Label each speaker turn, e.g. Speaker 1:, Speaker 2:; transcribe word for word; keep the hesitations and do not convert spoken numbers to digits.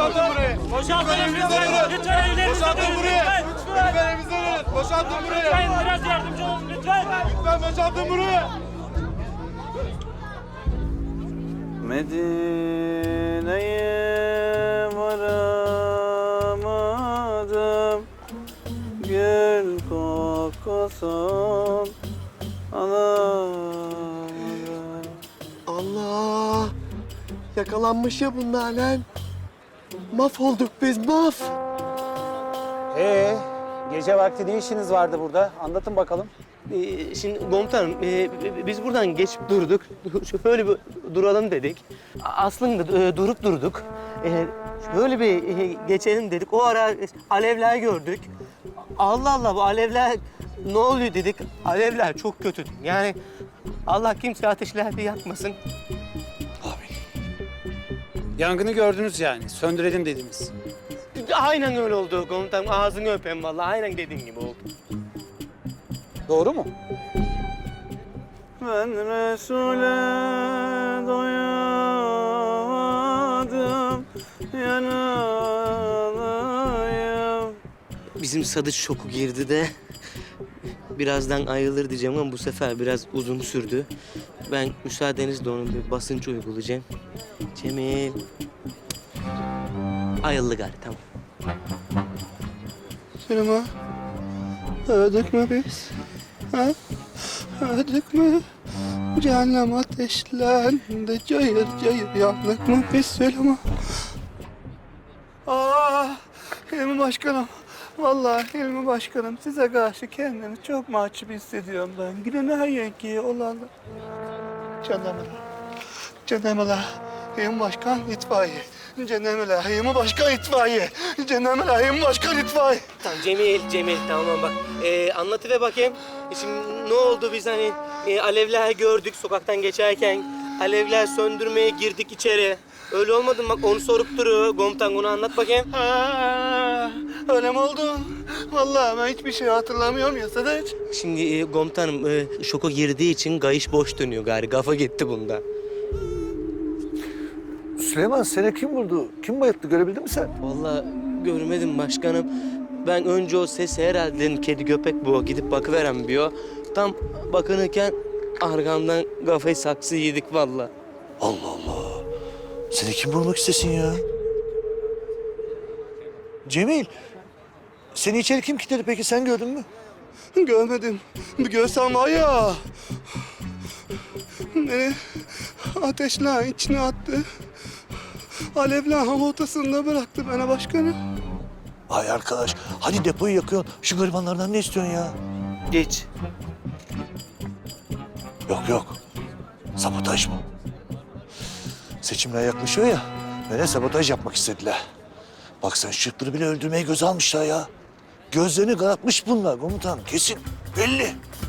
Speaker 1: Boşaltın burayı.
Speaker 2: Boşaltın
Speaker 1: evimize
Speaker 2: lütfen.
Speaker 1: dönün.
Speaker 2: Lütfen evlerinize
Speaker 1: Boşaltın
Speaker 2: dönün.
Speaker 1: burayı.
Speaker 2: Lütfen.
Speaker 1: Lütfen evimize dönün. Boşaltın burayı.
Speaker 2: Lütfen biraz yardımcı olun lütfen.
Speaker 1: Lütfen boşaltın burayı.
Speaker 3: Medine'ye varamadım, gül kokusun alamadım.
Speaker 4: Allah! Yakalanmış ya bunlar lan. Mahvolduk biz, maf.
Speaker 5: Ee, gece vakti ne işiniz vardı burada? Anlatın bakalım.
Speaker 6: Ee, şimdi komutanım, e, biz buradan geçip durduk. Şöyle bir duralım dedik. Aslında e, durup durduk. E, şöyle bir e, geçelim dedik. O ara alevler gördük. Allah Allah, bu alevler ne oluyor dedik. Alevler çok kötü. Yani Allah kimse ateşlerde yakmasın.
Speaker 5: Yangını gördünüz yani. Söndürelim dediniz.
Speaker 6: Aynen öyle oldu komutanım. Ağzını öpeyim vallahi. Aynen dediğin gibi oldu.
Speaker 5: Doğru mu?
Speaker 3: Ben Resul'e doyamadım, yanalıyım.
Speaker 6: Bizim Sadıç şoku girdi de birazdan ayılır diyeceğim ama bu sefer biraz uzun sürdü. Ben müsaadenizle onun bir basınç uygulayacağım. Cemil. Ayıldı gari, tamam.
Speaker 4: Süleyman, öldük mü biz? Ha? Öldük mü? Cehennem ateşlendi, cayır cayır yandık mı biz Süleyman? Aa, Hilmi Başkanım. Vallahi Hilmi Başkanım, size karşı kendimi çok mahcup hissediyorum ben. Gidin her yenkiye olanlar. Canımla, canımla. Hilmi Başkan itfaiye. Canımla, Hilmi Başkan itfaiye. Canımla, Hilmi Başkan itfaiye.
Speaker 6: Tamam Cemil, Cemil tamam bak. Ee, anlatıver bakayım. E Şimdi ne oldu biz hani e, alevler gördük sokaktan geçerken. Alevler söndürmeye girdik içeri. Öyle olmadı mı? Bak onu sorup duruyor. Komutan onu anlat bakayım.
Speaker 4: Ha, öyle mi oldu? Vallahi ben hiçbir şey hatırlamıyorum ya Sadıç.
Speaker 6: Şimdi e, komutanım e, şoka girdiği için kayış boş dönüyor gari. Kafa gitti bunda.
Speaker 7: Süleyman seni kim vurdu? Kim bayılttı görebildin mi sen?
Speaker 6: Vallahi görmedim başkanım. Ben önce o sesi herhalde dedim kedi köpek bu. Gidip bakıverem diyor. Tam bakınırken arkamdan kafayı saksı yedik vallahi.
Speaker 7: Allah Allah. Seni kim vurmak istesin ya? Cemil. Seni içeri kim kilitledi peki sen gördün mü?
Speaker 4: Görmedim. Bir görsem var ya. Beni ateşler içine attı. Alevler hava ortasında bıraktı bana başkanım.
Speaker 7: Ay arkadaş hadi depoyu yakıyorsun. Şu garibanlardan ne istiyorsun ya?
Speaker 6: Geç.
Speaker 7: Yok yok. Sabotaj bu. Seçimler yaklaşıyor ya. Bana sabotaj yapmak istediler. Bak sen şıkları bile öldürmeyi göze almışlar ya. Gözlerini karartmış bunlar komutan. Kesin belli.